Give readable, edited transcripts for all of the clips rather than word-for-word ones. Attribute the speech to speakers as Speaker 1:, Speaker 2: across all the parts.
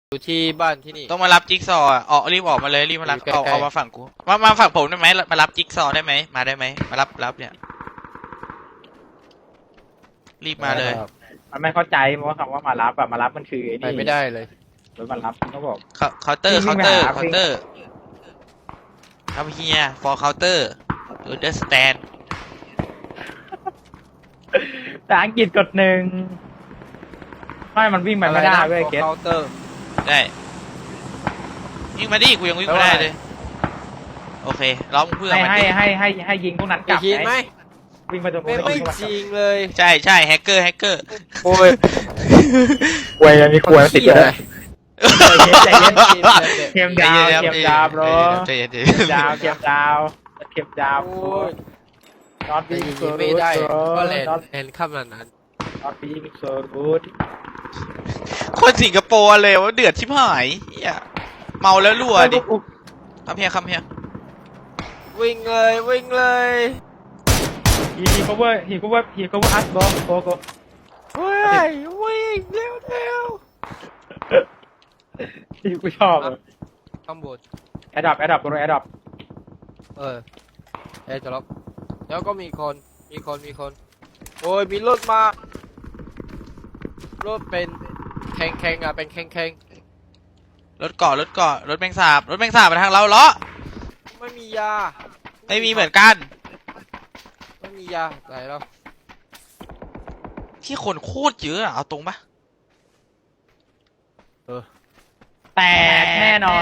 Speaker 1: อยู่ที่บ้านที่นี่
Speaker 2: ต้องมารับจิ๊กซอว์ออกรีบออกมาเลยรีบมารับเอามาฝั่งกูมาฝั่งผมได้ไหมมารับจิ๊กซอว์ได้ไหมมาได้ไหมมารับเนี่ยรีบมาเลย
Speaker 3: มันไม่เข้าใจเพราะว่าคำว่ามารับอะมารับมันคือไอ้
Speaker 1: ไป
Speaker 3: นี่
Speaker 1: ไม่ได้เลย
Speaker 3: รถมารับเขาบอก
Speaker 2: เคาน์เตอร์ครับเฮีย for counter understand
Speaker 3: แต่อังกฤษกดหนึ่งไม่มันวิ่งไปไม่ได้เว้ยเกต
Speaker 1: เคาน์เตอร์
Speaker 2: ได้วิ่งมาดิกูยังวิ่งไม่ได้เลยโอเคล้อมเพื่อนมันดิ
Speaker 3: ให้ยิงพวกนั้นก
Speaker 1: จะ
Speaker 3: ลับ
Speaker 1: คิดไหม
Speaker 3: วิ่งไปตรงนู้น
Speaker 1: ไม่จริงเลย
Speaker 2: ใช่แฮกเกอร์
Speaker 1: โอ้ย
Speaker 3: กวยมีกวยติดเลยใจเย็น
Speaker 1: เข็ม
Speaker 3: เข็มดาวbro
Speaker 2: ใจเย็น
Speaker 3: เข็มดาว
Speaker 1: โอ้ย
Speaker 3: not
Speaker 1: แต่
Speaker 3: being
Speaker 1: ยิง
Speaker 3: so
Speaker 1: ไม่ได้
Speaker 3: good
Speaker 1: ก็
Speaker 3: bro
Speaker 1: เลน
Speaker 3: not
Speaker 1: เห็นข้ามนั้น
Speaker 3: being so good
Speaker 2: คนสิงคโปร์เลยว่าเดือดชิบหายเฮียเมาแล้วรั่วดิคำเฮีย
Speaker 1: วิ่งเลย
Speaker 3: he cover us bro go
Speaker 1: เฮ้ยวิ่งเร็ว
Speaker 3: ที่กูชอบ
Speaker 1: ข้างบน
Speaker 3: แอดดับตรงแอดดับ
Speaker 1: จะล็อกแล้วก็มีคนโอ้ยมีรถมารถเป็นแข่งอ่ะเป็นแข่ง
Speaker 2: รถเกาะรถแมงสาบมาทางเราล้อ
Speaker 1: ไม่มียา
Speaker 2: ไม่มีเหมือนกัน
Speaker 1: ไม่มียาไหนแล้ว
Speaker 2: ที่คนโคตรเยอะอะเอาตรงปะ
Speaker 3: แต่แน่นอน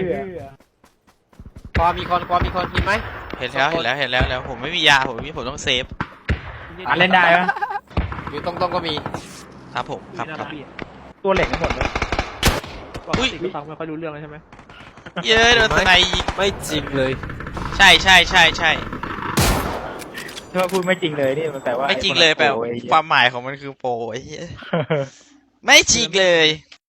Speaker 1: ความมีคนมีไหม
Speaker 2: เห็นแล้วผมไม่มียาผมต้องเซฟ
Speaker 3: เล่นได้ไหม
Speaker 1: อยู่ตรงก็มี
Speaker 2: ครับผมครับ
Speaker 3: ตัวเหล็กทั้งหมดเลย
Speaker 2: อุ้ย
Speaker 3: ก็ฟังไม่ค่อยรู้เรื่องแล้วใช่ไหม
Speaker 2: เยอะโดนสไนยิง
Speaker 1: ไม่จริงเลย
Speaker 2: ใช่
Speaker 3: ถ้าพูดไม่จริงเลยนี่มันแปลว่า
Speaker 2: ไม่จริงเลยแปลความหมายของมันคือโปรไอ้เหี้ยไม่จริงเลย